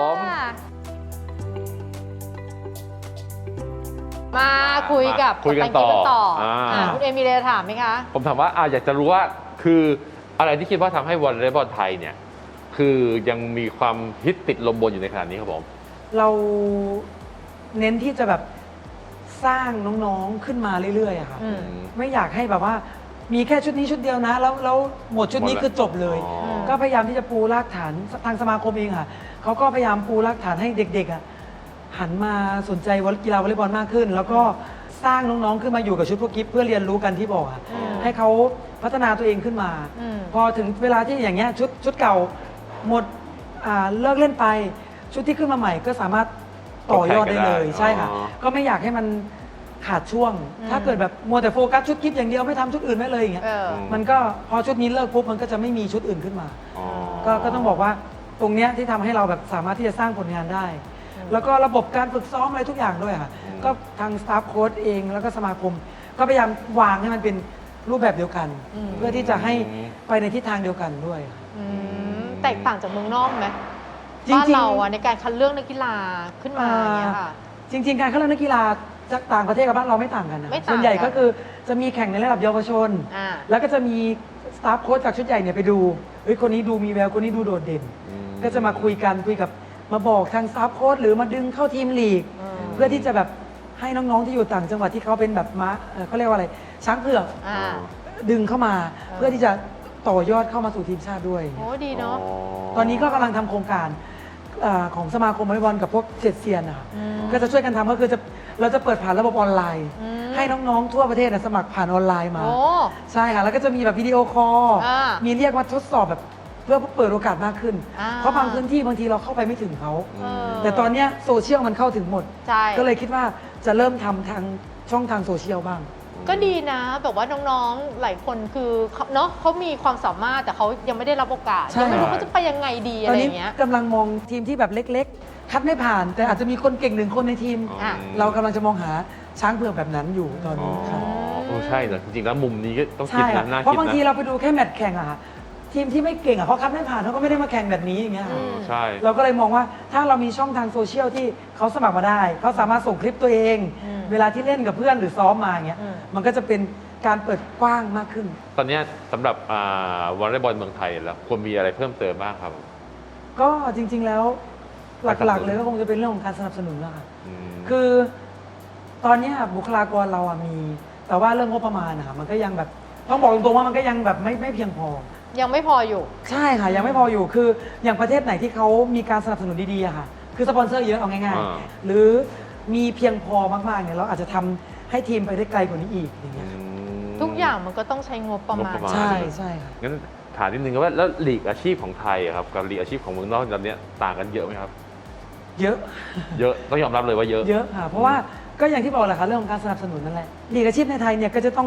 Speaker 2: มาคุยกับ
Speaker 1: คุยกัน
Speaker 2: ปตันกิฟกันต่อ
Speaker 1: ต่อ
Speaker 2: คุณเอมีอะไรจะถามไหมคะ
Speaker 1: ผมถามว่าอยากจะรู้ว่าคืออะไรที่คิดว่าทำให้วอลเลย์บอลไทยเนี่ยคือยังมีความฮิตติดลมบนอยู่ในขณะนี้ครับผม
Speaker 3: เราเน้นที่จะแบบสร้างน้องๆขึ้นมาเรื่อยๆอะค่ะ
Speaker 2: อืม
Speaker 3: ไม่อยากให้แบบว่ามีแค่ชุดนี้ชุดเดียวนะแล้วหมดชุดนี้
Speaker 1: หมดแล้ว
Speaker 3: คือจบเลย
Speaker 1: อ๋อ
Speaker 3: ก็พยายามที่จะปูรากฐานทางสมาคมเองค่ะเขาก็พยายามปูรากฐานให้เด็กๆอะหันมาสนใจกีฬาวอลเลย์บอลมากขึ้น แล้วก็สร้างน้องๆขึ้นมาอยู่กับชุดพวกกิฟเพื่อเรียนรู้กันที่บอกอะ
Speaker 2: อืม
Speaker 3: ให้เขาพัฒนาตัวเองขึ้นมา
Speaker 2: อืม
Speaker 3: พอถึงเวลาที่อย่างเงี้ยชุดเก่าหมดเลิกเล่นไป ชุดที่ขึ้นมาใหม่ก็สามารถต่อยอดได้เลย
Speaker 1: ก็แข่งกันได้
Speaker 3: ใช่ค่ะ
Speaker 1: อ๋อ
Speaker 3: ก็ไม่อยากให้มันขาดช่วง
Speaker 2: อืม
Speaker 3: ถ้าเกิดแบบมัวแต่โฟกัสชุดกิฟอย่างเดียวไม่ทำชุดอื่นไม่เลยอย่างเงี้ย
Speaker 2: เออ
Speaker 3: มันก็พอชุดนี้เลิกปุ๊บมันก็จะไม่มีชุดอื่นขึ้นมา
Speaker 1: อ๋อ
Speaker 3: ก็ต้องบอกว่าตรงเนี้ยที่ทำให้เราแบบสามารถที่จะสร้างผลงานได้
Speaker 2: อืม
Speaker 3: แล้วก็ระบบการฝึกซ้อมอะไรทุกอย่างด้วยค่ะ ก็ทางสตาฟโค้ชเองแล้วก็สมาคม ก็พยายามวางให้มันเป็นรูปแบบเดียวกัน เพื่อที่จะให้ไปในทิศทางเดียวกันด้วยค่ะ
Speaker 2: อืมแตกต่างจากเมืองนอกไหม
Speaker 3: จริงๆ
Speaker 2: บ้านเราอะในการคัดเลือกนักกีฬาขึ้นมาอย่างเงี้ยค่ะ
Speaker 3: จริง ๆ การคัดเลือกนักกีฬาจากต่างประเทศกับบ้านเราไม่ต่างกันนะ
Speaker 2: ไม่ต่างกัน
Speaker 3: ส่วนใหญ่ก็คือจะมีแข่งในระดับเยาวชน
Speaker 2: อ่า
Speaker 3: แล้วก็จะมีสตาฟโค้ชจากชุดใหญ่เนี่ยไปดูเฮ้ยคนนี้ดูมีแววคนนี้ดูโดดเด่น ก็จะมาคุยกับมาบอกทางสตาฟโค้ชหรือมาดึงเข้าทีมลีก
Speaker 2: อืม
Speaker 3: เพื่อที่จะแบบให้น้องๆที่อยู่ต่างจังหวัดที่เขาเป็นแบบม้าเขาเรียกว่าอะไรช้างเผือก
Speaker 2: อ่า
Speaker 3: ดึงเข้ามาเพื่อที่จะต่อยอดเข้ามาสู่ทีมชาติด้วย
Speaker 2: โอ้ดีเนาะ
Speaker 3: ตอนนี้ก็กำลังทำโครงการของสมาคมวอลเลย์บอลกับพวกเจ็ดเซียนนะคะ
Speaker 2: อืม
Speaker 3: ก็จะช่วยกันทำก็คือเราจะเปิดผ่านระบบออนไลน์
Speaker 2: อืม
Speaker 3: ให้น้องๆทั่วประเทศสมัครผ่านออนไลน์มา
Speaker 2: โอ้
Speaker 3: ใช่ค่ะแล้วก็จะมีแบบวิดีโอคอล
Speaker 2: อ่ามี
Speaker 3: มีเรียกมาทดสอบแบบเพื่อเปิดโอกาสมากขึ้น
Speaker 2: อ่า
Speaker 3: เพราะบางพื้นที่บางทีเราเข้าไปไม่ถึงเขา
Speaker 2: เออ
Speaker 3: แต่ตอนเนี้ยโซเชียลมันเข้าถึงหมด
Speaker 2: ใช่
Speaker 3: ก็เลยคิดว่าจะเริ่มทำทางช่องทางโซเชียลบ้าง
Speaker 2: ก็ดีนะแบบว่าน้องๆหลายคนคือเขาเนาะเขามีความสามารถแต่เขายังไม่ได้รับโอกาส
Speaker 3: ใช่
Speaker 2: ยังไม่รู้เขาจะไปยังไงดี
Speaker 3: ต
Speaker 2: อะ
Speaker 3: อน
Speaker 2: ไรอ
Speaker 3: นี้
Speaker 2: ย่างเงี้ย
Speaker 3: กำลังมองทีมที่แบบเล็กๆ คัดไม่ผ่าน แต่อาจจะมีคนเก่งหนึ่งคนในทีม
Speaker 2: อ่ะ
Speaker 3: เรากำลังจะมองหาช้างเผือกแบบนั้นอยู่ตอน
Speaker 1: อ๋อ
Speaker 3: นี้ค่ะ
Speaker 1: ใช่แต่จริงๆแล้วมุมนี้ก็ต้องคิด
Speaker 3: ใช่ค่ะ
Speaker 1: นะน่า
Speaker 3: เพราะ
Speaker 1: คิด
Speaker 3: บางที
Speaker 1: นะ
Speaker 3: เราไปดูแค่แมตช์แข่งอะค่ะทีมที่ไม่เก่งอะเขาคัดไม่ผ่านเขาก็ไม่ได้มาแข่งแบบนี้อย่างเงี้ยค่ะ
Speaker 2: อืม
Speaker 1: ใช่
Speaker 3: เราก็เลยมองว่าถ้าเรามีช่องทางโซเชียลที่เขาสมัครมาได้ เขาสามารถส่งคลิปตัวเอง
Speaker 2: อืม
Speaker 3: เวลาที่เล่นกับเพื่อนหรือซ้อมมาอย่างเงี้ย
Speaker 2: อืม
Speaker 3: มันก็จะเป็นการเปิดกว้างมากขึ้น
Speaker 1: ตอนเนี้ยสำหรับวอลเลย์บอลเมืองไทยแล้วควรมีอะไรเพิ่มเติมบ้างครับ
Speaker 3: ก็จริง ๆแล้วหลักๆเลยก็คงจะเป็นเรื่องของการสนับสนุนแล้วค่ะ
Speaker 1: ม
Speaker 3: คือตอนเนี้ยบุคลากรเราอะมี แต่ว่าเรื่องงบประมาณอะมันก็ยังแบบต้องบอกตรงๆว่ามันก็ยังแบบไม่เพียงพอ
Speaker 2: ยังไม่พออยู่
Speaker 3: ใช่ค่ะยังไม่พออยู่คืออย่างประเทศไหนที่เขามีการสนับสนุนดีๆอะค่ะ คือสปอนเซอร์เยอะเอาง่ายๆ หรือมีเพียงพอมากๆเนี่ยเราอาจจะทำให้ทีมไปได้ไกลกว่านี้อีกอย่างเงี้ย
Speaker 2: ทุกอย่างมันก็ต้องใช้งบประมาณ
Speaker 1: งบประมาณ
Speaker 3: ใช่ใช่ค่ะ
Speaker 1: งั้นถามนิดนึงว่าแล้วลีกอาชีพของไทยอะครับกับลีกอาชีพของเมืองนอกตอนเนี้ยต่างกันเยอะไหมครับ
Speaker 3: เยอะ
Speaker 1: เยอะต้องยอมรับเลยว่าเยอะ
Speaker 3: เยอะค่ะ เพราะว่าก็อย่างที่บอกแหละค่ะเรื่องของการสนับสนุนนั่นแหละลีกอาชีพในไทยเนี่ยก็จะต้อง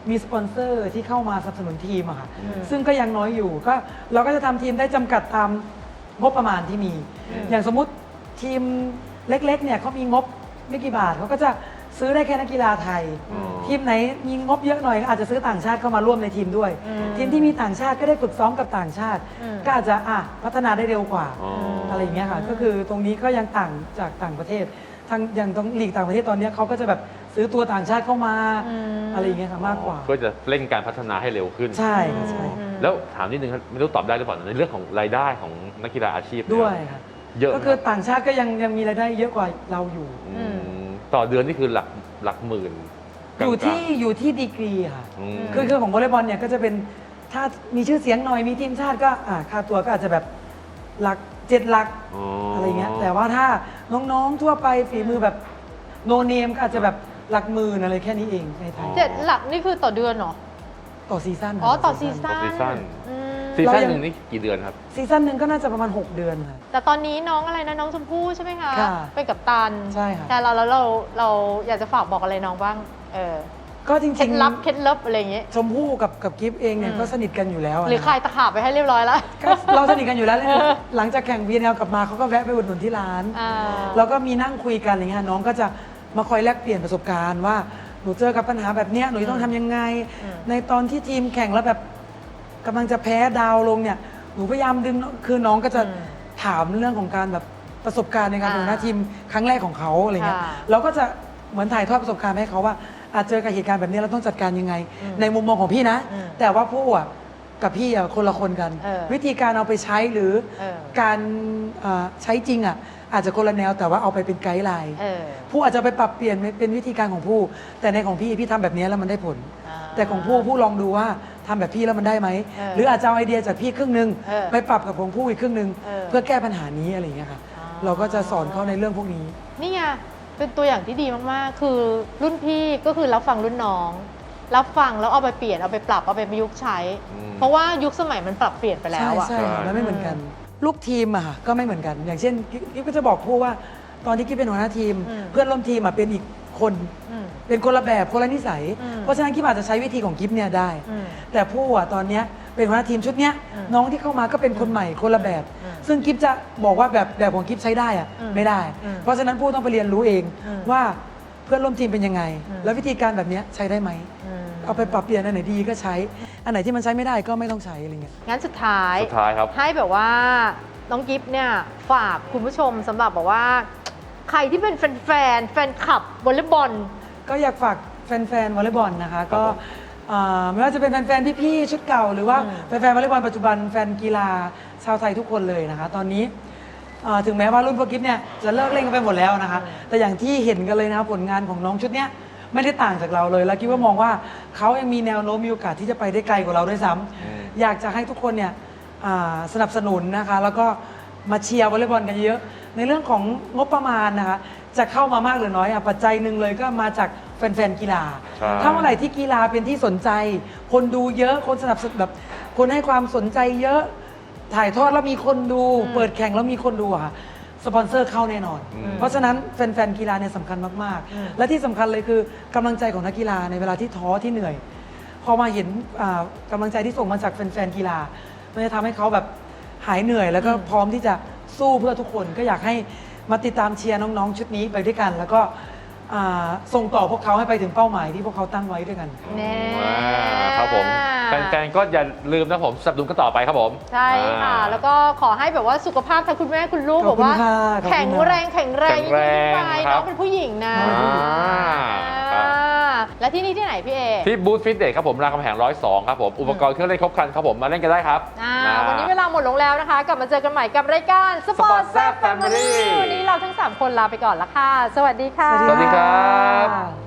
Speaker 3: มีสปอนเซอร์ที่เข้ามาสนับสนุนทีมอะค่ะซึ่งก็ยังน้อยอยู่ก็เราก็จะทำทีมได้จำกัดตามงบประมาณที่มี อย่างสมมุติทีมเล็กๆเนี่ยเขามีงบไม่กี่บาทเขาก็จะซื้อได้แค่นักกีฬาไทย ทีมไหนมีงบเยอะหน่อยก็อาจจะซื้อต่างชาติเข้ามาร่วมในทีมด้วย ทีมที่มีต่างชาติก็ได้ฝึกซ้อมกับต่างชาติ ก็อาจจะพัฒนาได้เร็วกว่าอะไรอย่างเงี้ยค่ะก็คือตรงนี้ก็ยังต่างจากต่างประเทศทางอย่างตรงลีกต่างประเทศตอนเนี้ยเขาก็จะแบบซื้อตัวต่างชาติเข้ามาอะไรอย่างเงี้ยค่ะมากกว่า
Speaker 1: เพื่อจะเร่งการพัฒนาให้เร็วขึ้น
Speaker 3: ใช่ค่ะใช่
Speaker 1: แล้วถามนิดนึงครับไม่รู้ตอบได้หรือเปล่าในเรื่องของรายได้ของนักกีฬาอาชีพเนี่
Speaker 3: ด้วยค่ะ
Speaker 1: เยอะไหม
Speaker 3: ก็คือต่างชาติก็ยังมีรายได้เยอะกว่าเราอยู่
Speaker 1: ต่อเดือนนี่คือหลักหมื่นกลางๆ
Speaker 3: อยู่ที่ดีกรีค่ะ
Speaker 1: อืม
Speaker 3: คือของวอลเลย์บอลเนี่ยก็จะเป็นถ้ามีชื่อเสียงหน่อยมีทีมชาติก็ค่าตัวก็อาจจะแบบหลัก7 หลักอะไรเงี้ยแต่ว่าถ้าน้องๆทั่วไปฝีมือแบบโนเนมก็อาจจะแบบหลักหมื่นอะไรแค่นี้เองในไทย
Speaker 2: 7 หลักนี่คือต่อเดือนเหรอ
Speaker 3: ต่อซีซั่น
Speaker 2: อ๋อ
Speaker 3: ค่ะ
Speaker 2: ต่อซีซั่น
Speaker 1: ซีซั่น
Speaker 2: อืม
Speaker 1: ซีซั่นหนึ่งนี่กี่เดือนครับ
Speaker 3: ซีซั่นหนึ่งก็น่าจะประมาณ 6 เดือนค่ะ
Speaker 2: แต่ตอนนี้น้องอะไรนะน้องชมพู่ใช่ไหมคะ
Speaker 3: ค่ะ
Speaker 2: เป็นกัปตัน
Speaker 3: ใช่ค่ะ
Speaker 2: แต่เราอยากจะฝากบอกอะไรน้องบ้าง
Speaker 3: ก็จ
Speaker 2: เคล็
Speaker 3: ริ
Speaker 2: ด
Speaker 3: ง
Speaker 2: ลับเคล็ดลับอะไรอย่างเงี้ย
Speaker 3: ชมพู่กับกิฟเองเนี่ยก็สนิทกันอยู่แล้วะ
Speaker 2: หรือ
Speaker 3: นะ
Speaker 2: ใครตะขาบไปให้เรียบร้อยแล้ว
Speaker 3: ก็เราสนิทกันอยู่แล้วหลังจากแข่ง VNL กลับมาเขาก็แวะไปอุดหนุนที่ร้าน
Speaker 2: อ่า
Speaker 3: แล้วก็มีนั่งคุยกันอะไรเงี้ยน้องก็จะมาคอยแลกเปลี่ยนประสบการณ์ว่าหนูเจอกับปัญหาแบบเนี้ยหนูต้องทำยังไง ในตอนที่ทีมแข่งแล้วแบบกำลังจะแพ้ดาวลงเนี่ยหนูพยายามดึงคือน้องก็จะถามเรื่องของการแบบประสบการณ์ในการเป็นหัวหน้าทีมครั้งแรกของเขาอะไรเงี้ยเราก็จะเหมือนถ่ายทอดประสบการณ์ให้เขาว่าอาจเจอกับเหตุการณ์แบบนี้เราต้องจัดการยังไง ในมุมมองของพี่นะ แต่ว่าผู้กับพี่คนละคนกัน วิธีการเอาไปใช้หรือการใช้จริงอาจจะคนละแนวแต่ว่าเอาไปเป็นไกด์ไลน์ผู้อาจจะไปปรับเปลี่ยนเป็นวิธีการของผู้แต่ในของพี่ทำแบบนี้แล้วมันได้ผล แต่ของผู้ลองดูว่าทำแบบพี่แล้วมันได้ไหมหรืออาจจะเอาไอเดียจากพี่ครึ่งหนึงไปปรับกับของผู้อีกครึ่งหนึงเพื่อแก้ปัญหานี้อะไรอย่างเงี้ยค่ะเราก็จะสอนเขาในเรื่องพวกนี้
Speaker 2: นี่ไงเป็นตัวอย่างที่ดีมากๆ คือรุ่นพี่ก็คือรับฟังรุ่นน้อง รับฟังแล้วเอาไปเปลี่ยนเอาไปปรับเอาไปประยุกต์ใช้ เพราะว่ายุคสมัยมันปรับเปลี่ยนไปแล้วอะ
Speaker 3: ใช่ค่ะแล้วไม่เหมือนกัน ลูกทีมอะค่ะก็ไม่เหมือนกัน อย่างเช่นกิ๊บก็จะบอกผู้ว่าตอนที่กิ๊บเป็นหัวหน้าทีม เพื่อนร่วมทีมเป็นอีกคนเป็นคนละแบบคนละนิสัย เพราะฉะนั้นกิ๊บอาจจะใช้วิธีของกิ๊บเนี่ยได้ แต่ผู้ตอนเนี้ยเป็นหัวหน้าทีมชุดเนี้ยน้องที่เข้ามาก็เป็นคนใหม่คนละแบบ ซึ่งกิ๊บจะบอกว่าแบบของกิ๊บใช้ได้อะไม่ได้ เพราะฉะนั้นผู้ต้องไปเรียนรู้เองว่าเพื่อนร่วมทีมเป็นยังไง แล้ววิธีการแบบเนี้ยใช้ได้ไหมเอาไปปรับเปลี่ยนอันไหนดีก็ใช้อันไหนที่มันใช้ไม่ได้ก็ไม่ต้องใช้อะไรเงี้ย
Speaker 2: งั้นสุดท้าย
Speaker 1: ครับ
Speaker 2: ให้แบบว่าน้องกิฟต์เนี่ยฝากคุณผู้ชมสำหรับแบบว่า ใครที่เป็นแฟนคลับวอลเลย์บอล
Speaker 3: ก็อยากฝากแฟนๆวอลเลย์บอลนะคะก็ไม่ว่าจะเป็นแฟนๆพี่ๆชุดเก่าหรือว่าแฟนๆวอลเลย์บอลปัจจุบันแฟนกีฬาชาวไทยทุกคนเลยนะคะตอนนี้ถึงแม้ว่ารุ่นพวกกิ๊บเนี่ยจะเลิกเล่นกันไปหมดแล้วนะคะแต่อย่างที่เห็นกันเลยนะคะผลงานของน้องชุดเนี้ยไม่ได้ต่างจากเราเลยแล้วกิ๊บว่ามองว่าเขายังมีแนวโน้มมีโอกาสที่จะไปได้ไกลกว่าเราด้วยซ้ำอยากจะให้ทุกคนเนี่ยสนับสนุนนะคะแล้วก็มาเชียร์วอลเลย์บอลกันเยอะในเรื่องของงบประมาณนะคะจะเข้ามามากหรือน้อยปัจจัยหนึ่งเลยก็มาจากแฟนๆกีฬาถ้าเมื่อไหร่ที่กีฬาเป็นที่สนใจคนดูเยอะคนสนับสนุนแบบคนให้ความสนใจเยอะถ่ายทอดแล้วมีคนดูเปิดแข่งแล้วมีคนดูค่ะสปอนเซอร์เข้าแน่นอนเพราะฉะนั้นแฟนๆกีฬาเนี่ยสำคัญมากๆและที่สำคัญเลยคือกำลังใจของนักกีฬาในเวลาที่ท้อที่เหนื่อยพอมาเห็นกำลังใจที่ส่งมาจากแฟนๆกีฬามันจะทำให้เขาแบบหายเหนื่อยแล้วก็พร้อมที่จะสู้เพื่อทุกคนก็อยากให้มาติดตามเชียร์น้องๆชุดนี้ไปด้วยกันแล้วก็ส่งต่อพวกเขาให้ไปถึงเป้าหมายที่พวกเขาตั้งไว้ด้วยกัน
Speaker 2: แน่
Speaker 1: ครับผมแฟนๆก็อย่าลืมนะผมสนับสนุนกันต่อไปครับผม
Speaker 2: ใช่ค่ะ แล้วก็ขอให้แบบว่าสุขภาพทั้งคุณแม่คุณลูก
Speaker 3: ข
Speaker 2: แบ
Speaker 3: อบบ คุณ
Speaker 2: ว่า
Speaker 3: ค่ะขอบคุณ
Speaker 2: แข็งแรงยิ่งขึ้นไป
Speaker 1: ครั
Speaker 2: น้อบ งเป็นผู้หญิงนะ
Speaker 1: ครับ
Speaker 2: และที่นี่ที่ไหนพี่เอ
Speaker 1: ที่บูธฟิตเนสครับผมรามคำแหง102ครับผมอุปกรณ์เครื่องเล่นครบครันครับผมมาเล่นกันได้ครับ
Speaker 2: วันนี้เวลาหมดลงแล้วนะคะ กลับมาเจอกันใหม่กับรายการสปอร์ตแซ่บแฟมิลี่วันนี้เราทั้ง 3 คนลาไปก่อนละค่ะ สวัสดีค่ะ
Speaker 1: สวัสดีครับ